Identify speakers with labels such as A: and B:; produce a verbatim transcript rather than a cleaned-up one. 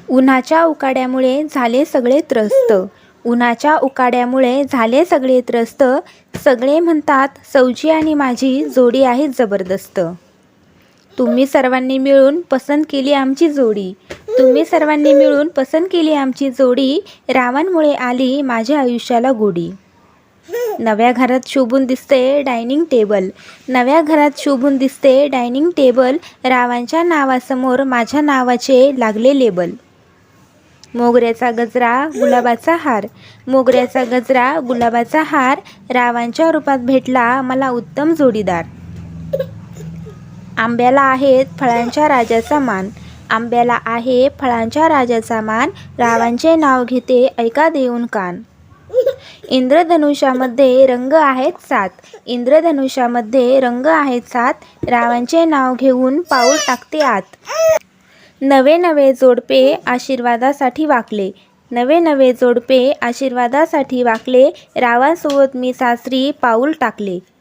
A: उन्हाच्या उकाड्यामुळे झाले सगळे त्रस्त. उन्हाच्या उकाड्यामुळे झाले सगळे त्रस्त. सगळे म्हणतात सौजी आणि माझी जोडी आहे जबरदस्त. तुम्ही सर्वांनी मिळून पसंत केली आमची जोडी. तुम्ही सर्वांनी मिळून पसंत केली आमची जोडी. रावांमुळे आली माझ्या आयुष्याला गोडी. नव्या घरात शोभून दिसते डायनिंग टेबल. नव्या घरात शोभून दिसते डायनिंग टेबल. रावांच्या नावासमोर माझ्या नावाचे लागले लेबल. मोगऱ्याचा गजरा गुलाबाचा हार. मोगऱ्याचा गजरा गुलाबाचा हार. रावांच्या रूपात भेटला मला उत्तम जोडीदार. आंब्याला आहेत फळांच्या राजाचा मान. आंब्याला आहे फळांच्या राजाचा मान. रावांचे नाव घेते ऐका देऊन कान. इंद्रधनुष्यामध्ये रंग आहेत सात. इंद्रधनुष्यामध्ये रंग आहेत सात. रावांचे नाव घेऊन पाऊल टाकते आत. नवे नवे जोडपे आशीर्वादासाठी वाकले. नवे नवे जोडपे आशीर्वादासाठी वाकले. रावांसोबत मी सासरी पाऊल टाकले.